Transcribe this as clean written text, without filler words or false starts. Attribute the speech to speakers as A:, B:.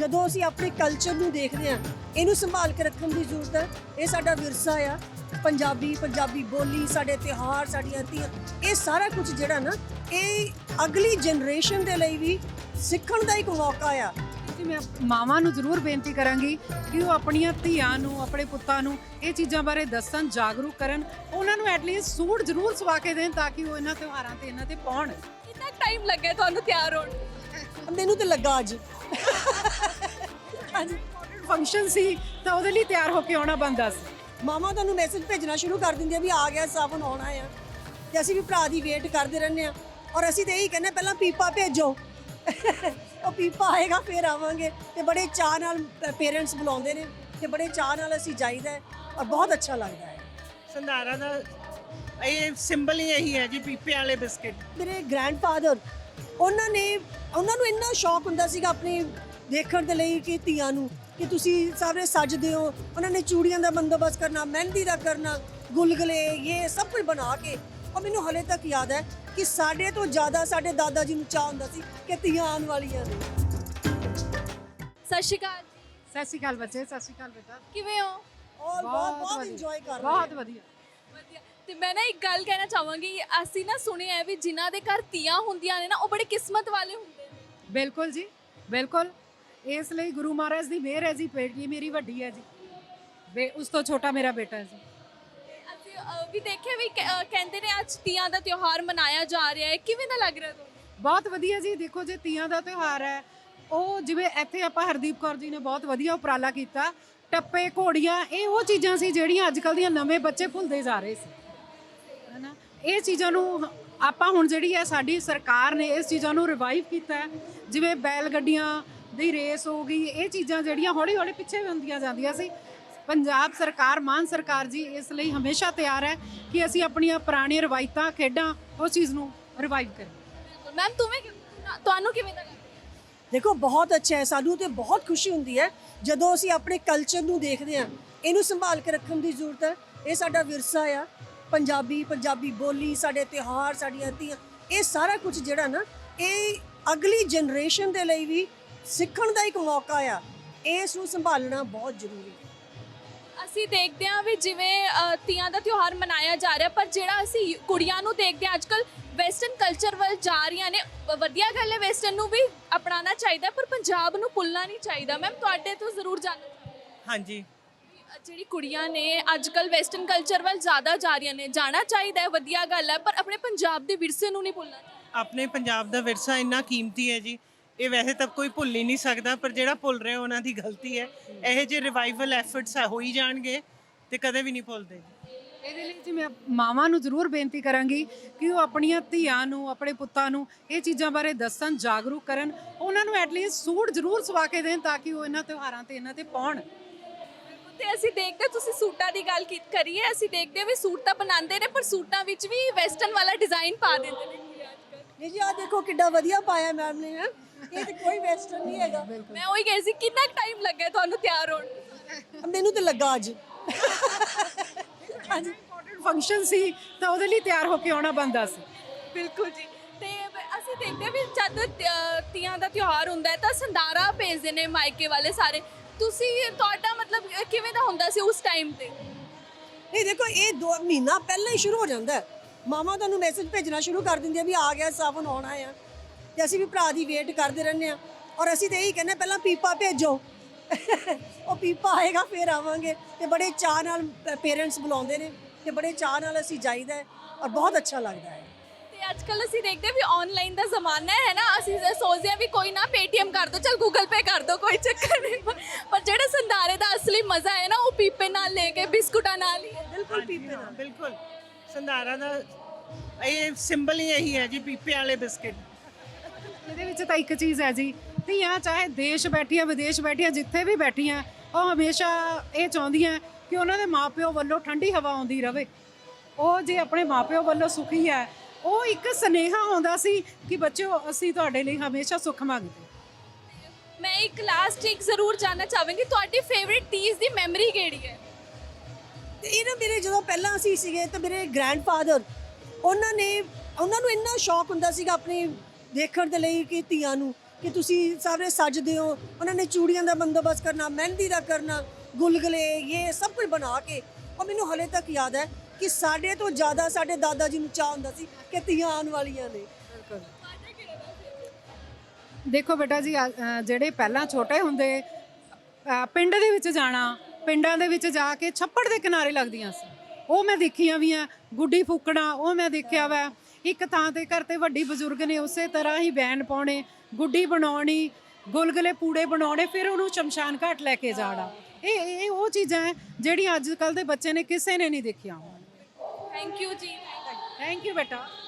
A: ਜਦੋਂ ਅਸੀਂ ਆਪਣੇ ਕਲਚਰ ਨੂੰ ਦੇਖਦੇ ਹਾਂ, ਇਹਨੂੰ ਸੰਭਾਲ ਕੇ ਰੱਖਣ ਦੀ ਜ਼ਰੂਰਤ ਹੈ। ਇਹ ਸਾਡਾ ਵਿਰਸਾ ਆ, ਪੰਜਾਬੀ ਬੋਲੀ, ਸਾਡੇ ਤਿਉਹਾਰ, ਸਾਡੀਆਂ ਧੀਆਂ, ਇਹ ਸਾਰਾ ਕੁਝ ਜਿਹੜਾ ਨਾ, ਇਹ ਅਗਲੀ ਜਨਰੇਸ਼ਨ ਦੇ ਲਈ ਵੀ ਸਿੱਖਣ ਦਾ ਇੱਕ ਮੌਕਾ ਆ।
B: ਜੀ ਮੈਂ ਮਾਵਾਂ ਨੂੰ ਜ਼ਰੂਰ ਬੇਨਤੀ ਕਰਾਂਗੀ ਕਿ ਉਹ ਆਪਣੀਆਂ ਧੀਆਂ ਨੂੰ, ਆਪਣੇ ਪੁੱਤਾਂ ਨੂੰ ਇਹ ਚੀਜ਼ਾਂ ਬਾਰੇ ਦੱਸਣ, ਜਾਗਰੂਕ ਕਰਨ, ਉਹਨਾਂ ਨੂੰ ਐਟਲੀਸਟ ਸੂਟ ਜ਼ਰੂਰ ਸਵਾ ਕੇ ਦੇਣ ਤਾਂ ਕਿ ਉਹ ਇਹਨਾਂ ਤਿਉਹਾਰਾਂ ਤੇ ਇਹਨਾਂ ਤੇ ਪਾਉਣ।
C: ਕਿੰਨਾ ਟਾਈਮ ਲੱਗਿਆ ਤੁਹਾਨੂੰ ਤਿਆਰ ਹੋਣ ਨੂੰ?
A: ਮੈਨੂੰ ਤੇ ਲੱਗਾ ਅੱਜ
B: ਫੰਕਸ਼ਨ ਸੀ ਤਾਂ ਉਹਦੇ ਲਈ ਤਿਆਰ ਹੋ ਕੇ ਆਉਣਾ ਬਣਦਾ ਸੀ।
A: ਮਾਮਾ ਤੁਹਾਨੂੰ ਮੈਸੇਜ ਭੇਜਣਾ ਸ਼ੁਰੂ ਕਰ ਦਿੰਦੇ ਆ ਵੀ ਆ ਗਿਆ ਸਾਵਨ, ਆਉਣਾ ਆ, ਤੇ ਅਸੀਂ ਵੀ ਭਰਾ ਦੀ ਵੇਟ ਕਰਦੇ ਰਹਿੰਦੇ ਆ। ਔਰ ਅਸੀਂ ਤੇ ਇਹੀ ਕਹਿੰਦੇ ਪਹਿਲਾਂ ਪੀਪਾ ਭੇਜੋ ਉਹ ਪੀਪਾ ਆਏਗਾ ਫਿਰ ਆਵਾਂਗੇ। ਤੇ ਬੜੇ ਚਾਅ ਨਾਲ ਪੇਰੈਂਟਸ ਬੁਲਾਉਂਦੇ ਨੇ ਤੇ ਬੜੇ ਚਾਅ ਨਾਲ ਅਸੀਂ ਜਾਈਦਾ ਹੈ ਔਰ ਬਹੁਤ ਅੱਛਾ ਲੱਗਦਾ ਹੈ।
D: ਸੰਧਾਰਾ ਦਾ ਇਹ ਸਿੰਬਲ ਹੀ ਇਹੀ ਹੈ ਜੀ, ਪੀਪੇ ਵਾਲੇ ਬਿਸਕਿਟ।
A: ਮੇਰੇ ਗ੍ਰੈਂਡਫਾਦਰ ਉਹਨਾਂ ਨੂੰ ਇੰਨਾ ਸ਼ੌਕ ਹੁੰਦਾ ਸੀਗਾ ਆਪਣੇ ਦੇਖਣ ਦੇ ਲਈ ਕਿ ਧੀਆਂ ਨੂੰ, ਕਿ ਤੁਸੀਂ ਸਾਰੇ ਸੱਜਦੇ ਹੋ। ਉਹਨਾਂ ਨੇ ਚੂੜੀਆਂ ਦਾ ਬੰਦੋਬਸਤ ਕਰਨਾ, ਮਹਿੰਦੀ ਦਾ ਕਰਨਾ, ਗੁਲਗੁਲੇ, ਇਹ ਸਭ ਕੁਝ ਬਣਾ ਕੇ। ਔਰ ਮੈਨੂੰ ਹਲੇ ਤੱਕ ਯਾਦ ਹੈ ਕਿ ਸਾਡੇ ਤੋਂ ਜ਼ਿਆਦਾ ਸਾਡੇ ਦਾਦਾ ਜੀ ਨੂੰ ਚਾਹ ਹੁੰਦਾ ਸੀ ਕਿ ਧੀਆਂ ਆਉਣ ਵਾਲੀਆਂ ਨੇ।
C: ਸਤਿ ਸ਼੍ਰੀ ਅਕਾਲ ਜੀ,
B: ਸਤਿ ਸ਼੍ਰੀ ਅਕਾਲ ਬੱਚੇ, ਸਤਿ ਸ਼੍ਰੀ ਅਕਾਲ ਬੇਟਾ।
C: ਕਿਵੇਂ ਹੋ?
A: ਔਰ ਬਹੁਤ ਇੰਜੋਏ ਕਰ ਰਹੇ
B: ਬਹੁਤ ਵਧੀਆ।
C: ਵਧੀਆ। ਤੇ ਮੈਂ ਨਾ ਇੱਕ ਗੱਲ ਕਹਿਣਾ ਚਾਹਾਂਗੀ, ਅਸੀਂ ਨਾ ਸੁਣਿਆ ਹੈ ਵੀ ਜਿਨ੍ਹਾਂ ਦੇ ਘਰ ਧੀਆਂ ਹੁੰਦੀਆਂ ਨੇ ਨਾ, ਉਹ ਬੜੇ ਕਿਸਮਤ ਵਾਲੇ ਹੁੰਦੇ ਨੇ।
B: ਬਿਲਕੁਲ ਜੀ, ਬਿਲਕੁਲ। ਇਸ ਲਈ ਗੁਰੂ ਮਹਾਰਾਜ ਦੀ ਮਿਹਰ ਹੈ ਜੀ। ਬੇਟੀ ਮੇਰੀ ਵੱਡੀ ਹੈ ਜੀ, ਉਸ ਤੋਂ ਛੋਟਾ ਮੇਰਾ ਬੇਟਾ ਹੈ ਜੀ।
C: ਅਸੀਂ ਵੀ ਦੇਖਿਆ ਵੀ ਕਹਿੰਦੇ ਨੇ ਅੱਜ ਤੀਆਂ ਦਾ ਤਿਉਹਾਰ ਮਨਾਇਆ ਜਾ ਰਿਹਾ ਹੈ, ਕਿਵੇਂ ਦਾ ਲੱਗ ਰਿਹਾ ਤੁਹਾਨੂੰ?
B: ਬਹੁਤ ਵਧੀਆ ਜੀ। ਦੇਖੋ ਜੇ ਤੀਆਂ ਦਾ ਤਿਉਹਾਰ ਹੈ, ਉਹ ਜਿਵੇਂ ਇੱਥੇ ਆਪਾਂ ਹਰਦੀਪ ਕੌਰ ਜੀ ਨੇ ਬਹੁਤ ਵਧੀਆ ਉਪਰਾਲਾ ਕੀਤਾ। ਟੱਪੇ, ਘੋੜੀਆਂ, ਇਹ ਉਹ ਚੀਜ਼ਾਂ ਸੀ ਜਿਹੜੀਆਂ ਅੱਜ ਕੱਲ੍ਹ ਦੀਆਂ ਨਵੇਂ ਬੱਚੇ ਭੁੱਲਦੇ ਜਾ ਰਹੇ ਸੀ, ਹੈ ਨਾ। ਇਹ ਚੀਜ਼ਾਂ ਨੂੰ ਆਪਾਂ ਹੁਣ ਜਿਹੜੀ ਹੈ ਸਾਡੀ ਸਰਕਾਰ ਨੇ ਇਸ ਚੀਜ਼ਾਂ ਨੂੰ ਰਿਵਾਈਵ ਕੀਤਾ ਹੈ। ਜਿਵੇਂ ਬੈਲ ਗੱਡੀਆਂ ਦੀ ਰੇਸ ਹੋ ਗਈ, ਇਹ ਚੀਜ਼ਾਂ ਜਿਹੜੀਆਂ ਹੌਲੀ ਹੌਲੀ ਪਿੱਛੇ ਹੁੰਦੀਆਂ ਜਾਂਦੀਆਂ ਸੀ। ਪੰਜਾਬ ਸਰਕਾਰ, ਮਾਨ ਸਰਕਾਰ ਜੀ ਇਸ ਲਈ ਹਮੇਸ਼ਾ ਤਿਆਰ ਹੈ ਕਿ ਅਸੀਂ ਆਪਣੀਆਂ ਪੁਰਾਣੀਆਂ ਰਵਾਇਤਾਂ, ਖੇਡਾਂ, ਉਸ ਚੀਜ਼ ਨੂੰ ਰਿਵਾਈਵ ਕਰੀਏ।
C: ਮੈਮ ਤੁਹਾਨੂੰ ਕਿਵੇਂ ਦਾ ਲੱਗਦਾ?
A: ਦੇਖੋ ਬਹੁਤ ਅੱਛਾ ਹੈ, ਸਾਨੂੰ ਤੇ ਬਹੁਤ ਖੁਸ਼ੀ ਹੁੰਦੀ ਹੈ ਜਦੋਂ ਅਸੀਂ ਆਪਣੇ ਕਲਚਰ ਨੂੰ ਦੇਖਦੇ ਹਾਂ, ਇਹਨੂੰ ਸੰਭਾਲ ਕੇ ਰੱਖਣ ਦੀ ਜ਼ਰੂਰਤ ਹੈ। ਇਹ ਸਾਡਾ ਵਿਰਸਾ ਆ, ਪੰਜਾਬੀ ਬੋਲੀ, ਸਾਡੇ ਤਿਉਹਾਰ, ਸਾਡੀਆਂ ਧੀਆਂ, ਇਹ ਸਾਰਾ ਕੁਝ ਜਿਹੜਾ ਨਾ, ਇਹ ਅਗਲੀ ਜਨਰੇਸ਼ਨ ਦੇ ਲਈ ਵੀ ਸਿੱਖਣ ਦਾ ਇੱਕ ਮੌਕਾ ਆ। ਇਸ ਨੂੰ ਸੰਭਾਲਣਾ ਬਹੁਤ ਜ਼ਰੂਰੀ ਹੈ।
C: ਅਸੀਂ ਦੇਖਦੇ ਹਾਂ ਵੀ ਜਿਵੇਂ ਤੀਆਂ ਦਾ ਤਿਉਹਾਰ ਮਨਾਇਆ ਜਾ ਰਿਹਾ, ਪਰ ਜਿਹੜਾ ਅਸੀਂ ਕੁੜੀਆਂ ਨੂੰ ਦੇਖਦੇ ਹਾਂ ਅੱਜ ਕੱਲ੍ਹ ਵੈਸਟਰਨ ਕਲਚਰ ਵੱਲ ਜਾ ਰਹੀਆਂ ਨੇ। ਵਧੀਆ ਗੱਲ ਹੈ, ਵੈਸਟਰਨ ਨੂੰ ਵੀ ਅਪਣਾਉਣਾ ਚਾਹੀਦਾ, ਪਰ ਪੰਜਾਬ ਨੂੰ ਭੁੱਲਣਾ ਨਹੀਂ ਚਾਹੀਦਾ। ਮੈਮ ਤੁਹਾਡੇ ਤੋਂ ਜ਼ਰੂਰ ਜਾਣਨਾ ਚਾਹਾਂਗੀ।
D: ਹਾਂਜੀ,
C: ਜਿਹੜੀ ਕੁੜੀਆਂ ਨੇ ਅੱਜ ਕੱਲ੍ਹ ਵੈਸਟਰਨ ਕਲਚਰ ਵੱਲ ਜ਼ਿਆਦਾ ਜਾ ਰਹੀਆਂ ਨੇ, ਜਾਣਾ ਚਾਹੀਦਾ ਹੈ, ਵਧੀਆ ਗੱਲ ਹੈ, ਪਰ ਆਪਣੇ ਪੰਜਾਬ ਦੇ ਵਿਰਸੇ ਨੂੰ ਨਹੀਂ ਭੁੱਲਣਾ ਚਾਹੀਦਾ।
D: ਆਪਣੇ ਪੰਜਾਬ ਦਾ ਵਿਰਸਾ ਇੰਨਾ ਕੀਮਤੀ ਹੈ ਜੀ, ਇਹ ਵੈਸੇ ਤਾਂ ਕੋਈ ਭੁੱਲ ਹੀ ਨਹੀਂ ਸਕਦਾ, ਪਰ ਜਿਹੜਾ ਭੁੱਲ ਰਿਹਾ ਉਹਨਾਂ ਦੀ ਗਲਤੀ ਹੈ। ਇਹੋ ਜਿਹੇ ਰਿਵਾਈਵਲ ਐਫਰਟਸ ਹੋ ਹੀ ਜਾਣਗੇ ਤੇ ਕਦੇ ਵੀ ਨਹੀਂ ਭੁੱਲਦੇ।
B: ਇਹਦੇ ਲਈ ਜੀ ਮੈਂ ਮਾਵਾਂ ਨੂੰ ਜ਼ਰੂਰ ਬੇਨਤੀ ਕਰਾਂਗੀ ਕਿ ਉਹ ਆਪਣੀਆਂ ਧੀਆਂ ਨੂੰ, ਆਪਣੇ ਪੁੱਤਾਂ ਨੂੰ ਇਹ ਚੀਜ਼ਾਂ ਬਾਰੇ ਦੱਸਣ, ਜਾਗਰੂਕ ਕਰਨ, ਉਹਨਾਂ ਨੂੰ ਐਟਲੀਸਟ ਸੂਟ ਜ਼ਰੂਰ ਸਵਾ ਕੇ ਦੇਣ ਤਾਂ ਕਿ ਉਹ ਇਹਨਾਂ ਤਿਉਹਾਰਾਂ ਤੇ ਇਹਨਾਂ ਤੇ ਪਾਉਣ।
C: ਤੇ ਅਸੀਂ ਦੇਖਦੇ, ਤੁਸੀਂ ਸੂਟਾਂ ਦੀ ਗੱਲ ਕਰੀਏ, ਅਸੀਂ ਦੇਖਦੇ ਵੀ ਸੂਟ ਤਾਂ ਬਣਾਉਂਦੇ ਨੇ, ਪਰ ਸੂਟਾਂ ਵਿੱਚ ਵੀ ਵੈਸਟਰਨ ਵਾਲਾ ਡਿਜ਼ਾਈਨ ਪਾ ਦਿੰਦੇ ਨੇ ਕੁੜੀਆਂ ਅੱਜ ਕੱਲ੍ਹ।
A: ਇਹ ਜੀ ਆਹ ਦੇਖੋ ਕਿੱਡਾ ਵਧੀਆ ਪਾਇਆ ਮੈਮ ਨੇ, ਹੈ ਇਹ ਤੇ ਕੋਈ ਵੈਸਟਰਨ ਨਹੀਂ ਹੈਗਾ।
C: ਮੈਂ ਉਹੀ ਕਹੀ ਸੀ, ਕਿੰਨਾ ਟਾਈਮ ਲੱਗਿਆ ਤੁਹਾਨੂੰ ਤਿਆਰ ਹੋਣ ਨੂੰ?
A: ਮੈਨੂੰ ਤੇ ਲੱਗਾ ਅੱਜ
B: ਇੰਪੋਰਟੈਂਟ ਫੰਕਸ਼ਨ ਸੀ ਤਾਂ ਉਹਦੇ ਲਈ ਤਿਆਰ ਹੋ ਕੇ ਆਉਣਾ ਬਣਦਾ ਸੀ।
C: ਬਿਲਕੁਲ ਜੀ। ਤੇ ਅਸੀਂ ਦੇਖਦੇ ਵੀ ਜਦ ਤੀਆਂ ਦਾ ਤਿਉਹਾਰ ਹੁੰਦਾ ਹੈ ਤਾਂ ਸੰਧਾਰਾ ਭੇਜਦੇ ਨੇ ਮਾਇਕੇ ਵਾਲੇ ਸਾਰੇ। ਤੁਹਾਡਾ ਮਤਲਬ ਕਿਵੇਂ ਦਾ ਹੁੰਦਾ ਸੀ ਉਸ ਟਾਈਮ ਤੇ?
A: ਇਹ ਦੇਖੋ ਇਹ 2 ਮਹੀਨਾ ਪਹਿਲਾਂ ਹੀ ਸ਼ੁਰੂ ਹੋ ਜਾਂਦਾ ਹੈ। ਮਾਮਾ ਤੁਹਾਨੂੰ ਮੈਸੇਜ ਭੇਜਣਾ ਸ਼ੁਰੂ ਕਰ ਦਿੰਦੇ ਆ ਵੀ ਆ ਗਿਆ ਸਾਵਨ, ਆਉਣਾ ਆ, ਤੇ ਅਸੀਂ ਵੀ ਭਰਾ ਦੀ ਵੇਟ ਕਰਦੇ ਰਹਿੰਦੇ ਆ। ਔਰ ਅਸੀਂ ਤੇ ਇਹੀ ਕਹਿੰਦੇ ਪਹਿਲਾਂ ਪੀਪਾ ਭੇਜੋ ਉਹ ਪੀਪਾ ਆਏਗਾ ਫਿਰ ਆਵਾਂਗੇ। ਤੇ ਬੜੇ ਚਾਅ ਨਾਲ ਪੇਰੈਂਟਸ ਬੁਲਾਉਂਦੇ ਨੇ ਤੇ ਬੜੇ ਚਾਅ ਨਾਲ ਅਸੀਂ ਜਾਈਦਾ ਹੈ ਔਰ ਬਹੁਤ ਅੱਛਾ ਲੱਗਦਾ ਹੈ।
C: ਤੇ ਅੱਜ ਕੱਲ੍ਹ ਅਸੀਂ ਦੇਖਦੇ ਵੀ ਆਨਲਾਈਨ ਦਾ ਜ਼ਮਾਨਾ ਹੈ ਨਾ, ਅਸੀਂ ਸੋਚਦੇ ਹਾਂ ਵੀ ਕੋਈ ਨਾ ਪੇਟੀਐਮ ਕਰ ਦੋ, ਚਲ ਗੂਗਲ ਪੇ ਕਰ ਦੋ, ਕੋਈ ਚੱਕਰ ਨਹੀਂ, ਪਰ ਜਿਹੜਾ ਸੰਧਾਰੇ ਦਾ ਅਸਲੀ ਮਜ਼ਾ ਹੈ ਨਾ, ਉਹ ਪੀਪੇ ਨਾਲ ਲੈ ਕੇ, ਬਿਸਕੁਟਾਂ ਨਾਲ ਹੀ ਹੈ।
A: ਬਿਲਕੁਲ ਪੀਪੇ ਨਾਲ।
D: ਬਿਲਕੁਲ, ਸੰਧਾਰਾ ਦਾ ਇਹ ਸਿੰਬਲ ਹੀ ਇਹੀ ਹੈ ਜੀ, ਪੀਪੇ ਵਾਲੇ ਬਿਸਕਿਟ।
B: ਇਹਦੇ ਵਿੱਚ ਤਾਂ ਇੱਕ ਚੀਜ਼ ਹੈ ਜੀ, ਧੀਆਂ ਚਾਹੇ ਦੇਸ਼ ਬੈਠੀਆਂ, ਵਿਦੇਸ਼ ਬੈਠੀਆਂ, ਜਿੱਥੇ ਵੀ ਬੈਠੀਆਂ, ਉਹ ਹਮੇਸ਼ਾ ਇਹ ਚਾਹੁੰਦੀਆਂ ਕਿ ਉਹਨਾਂ ਦੇ ਮਾਪਿਓ ਵੱਲੋਂ ਠੰਡੀ ਹਵਾ ਆਉਂਦੀ ਰਹੇ। ਉਹ ਜੇ ਆਪਣੇ ਮਾਪਿਓ ਵੱਲੋਂ ਸੁਖੀ ਹੈ, ਉਹ ਇੱਕ ਸੁਨੇਹਾ ਆਉਂਦਾ ਸੀ ਕਿ ਬੱਚਿਓ ਅਸੀਂ ਤੁਹਾਡੇ ਲਈ ਹਮੇਸ਼ਾ ਸੁੱਖ ਮੰਗਦੇ।
C: ਮੈਂ ਇੱਕ ਲਾਸਟ ਇੱਕ ਜ਼ਰੂਰ ਜਾਣਨਾ ਚਾਹਾਂਗੀ, ਤੁਹਾਡੀ ਫੇਵਰਿਟ ਤੀਜ ਦੀ ਮੈਮਰੀ ਕਿਹੜੀ ਹੈ?
A: ਤੇ ਇਹ ਨਾ ਮੇਰੇ ਜਦੋਂ ਪਹਿਲਾਂ ਅਸੀਂ ਸੀਗੇ ਤਾਂ ਮੇਰੇ ਗ੍ਰੈਂਡਫਾਦਰ ਉਹਨਾਂ ਨੂੰ ਇੰਨਾ ਸ਼ੌਕ ਹੁੰਦਾ ਸੀਗਾ ਆਪਣੇ ਦੇਖਣ ਦੇ ਲਈ ਕਿ ਧੀਆਂ ਨੂੰ, ਕਿ ਤੁਸੀਂ ਸਾਰੇ ਸੱਜਦੇ ਹੋ, ਉਹਨਾਂ ਨੇ ਚੂੜੀਆਂ ਦਾ ਬੰਦੋਬਸਤ ਕਰਨਾ, ਮਹਿੰਦੀ ਦਾ ਕਰਨਾ, ਗੁਲਗੁਲੇ, ਇਹ ਸਭ ਕੁਝ ਬਣਾ ਕੇ। ਔਰ ਮੈਨੂੰ ਹਲੇ ਤੱਕ ਯਾਦ ਹੈ ਕਿ ਸਾਡੇ ਤੋਂ ਜ਼ਿਆਦਾ ਸਾਡੇ ਦਾਦਾ ਜੀ ਨੂੰ ਚਾਹ ਹੁੰਦਾ ਸੀ ਕਿ ਧੀਆਂ ਆਉਣ ਵਾਲੀਆਂ ਨੇ।
B: ਦੇਖੋ ਬੇਟਾ ਜੀ, ਜਿਹੜੇ ਪਹਿਲਾਂ ਛੋਟੇ ਹੁੰਦੇ ਪਿੰਡ ਦੇ ਵਿੱਚ ਜਾਣਾ, ਪਿੰਡਾਂ ਦੇ ਵਿੱਚ ਜਾ ਕੇ ਛੱਪੜ ਦੇ ਕਿਨਾਰੇ ਲੱਗਦੀਆਂ ਸੀ, ਉਹ ਮੈਂ ਦੇਖੀਆਂ ਵੀ ਆ। ਗੁੱਡੀ ਫੂਕਣਾ ਉਹ ਮੈਂ ਦੇਖਿਆ ਵਾ। ਇੱਕ ਥਾਂ ਤੇ ਘਰ ਤੇ ਵੱਡੀ ਬਜ਼ੁਰਗ ਨੇ ਉਸੇ ਤਰ੍ਹਾਂ ਹੀ ਬੈਨ ਪਾਉਣੇ, ਗੁੱਡੀ ਬਣਾਉਣੀ, ਗੁਲਗੁਲੇ ਪੂੜੇ ਬਣਾਉਣੇ, ਫਿਰ ਉਹਨੂੰ ਸ਼ਮਸ਼ਾਨ ਘਾਟ ਲੈ ਕੇ ਜਾਣਾ। ਇਹ ਉਹ ਚੀਜ਼ਾਂ ਹੈ ਜਿਹੜੀਆਂ ਅੱਜ ਕੱਲ੍ਹ ਦੇ ਬੱਚੇ ਨੇ ਕਿਸੇ ਨੇ ਨਹੀਂ ਦੇਖੀਆਂ।
C: ਥੈਂਕ ਯੂ ਜੀ।
B: ਥੈਂਕ ਯੂ ਬੇਟਾ।